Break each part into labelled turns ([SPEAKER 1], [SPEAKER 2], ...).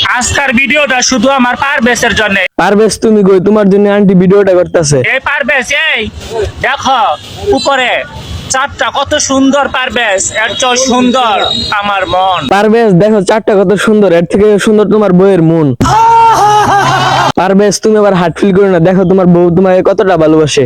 [SPEAKER 1] আজকের ভিডিওটা শুধু আমার পারভেজের জন্য।
[SPEAKER 2] পারভেজ তুমি কই? তোমার জন্য আন্টি ভিডিওটা করতেছে।
[SPEAKER 1] এই পারভেজ, এই দেখো উপরে চাঁদটা কত সুন্দর। পারভেজ, এর চেয়ে সুন্দর আমার মন।
[SPEAKER 2] পারভেজ দেখো চারটা কত সুন্দর, এর থেকে সুন্দর তোমার বউয়ের মন। পারভেজ তুমি আবার হার্ট ফিল করো না, দেখো তোমার বউ তোমাকে কতটা ভালোবাসে।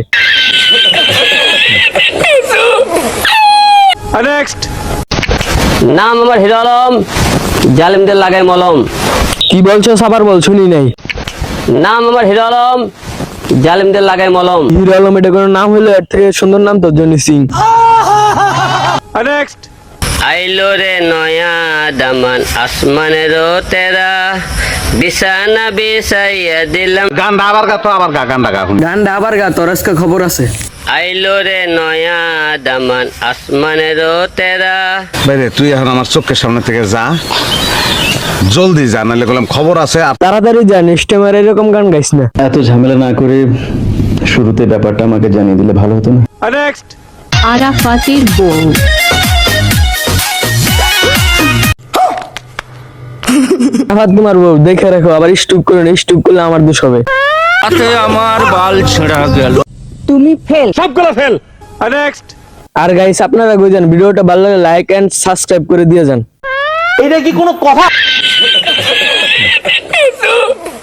[SPEAKER 1] নেক্সট।
[SPEAKER 3] নাম আমার হিরো আলম, জালিমদের লাগাই মলম।
[SPEAKER 2] কি বলছো? আবার বল, শুনি নাই।
[SPEAKER 3] নাম আমার হিরো আলম, জালিমদের লাগাই মলম।
[SPEAKER 2] হিরো আলম এটা কোনো নাম হইলো? এর থেকে সুন্দর নাম তো জনি সিং।
[SPEAKER 1] নেক্সট।
[SPEAKER 3] আইলো রে নয়া দামান আসমানেরও তেরা, বিছানা বিছাইয়া দিলাম।
[SPEAKER 4] গানটা আবার গা, তো আবার গা, গানটা গা।
[SPEAKER 2] গানটা আবার গা, তোর আজকে খবর আছে।
[SPEAKER 3] আইলো রে নয়া দামান আসমানেরও তেরা।
[SPEAKER 4] বাইরে তুই এখন আমার চোখের সামনে থেকে যা, জলদি যা, নাহলে বললাম খবর আছে। আর
[SPEAKER 2] তাড়াতাড়ি যা, নেক্সট টাইম আর এরকম গান গাইস না।
[SPEAKER 5] এত ঝামেলা না করে শুরুতে ব্যাপারটা আমাকে জানিয়ে দিলে ভালো হতো না?
[SPEAKER 1] নেক্সট।
[SPEAKER 6] আরাফাতের বউ।
[SPEAKER 2] আবার তোমার বউ দেখে রাখো, আবার স্টুপ করে না, স্টুপ করলে আমার দোষ হবে।
[SPEAKER 1] আমার বাল ছেঁড়া গেল।
[SPEAKER 6] তুমি ফেল।
[SPEAKER 1] সবগুলো ফেল। নেক্সট।
[SPEAKER 2] আর গাইস আপনারা কই যান? ভিডিওটা ভালো লাগলে লাইক এন্ড সাবস্ক্রাইব করে দিয়ে যান।
[SPEAKER 1] এটা কি কোনো কথা?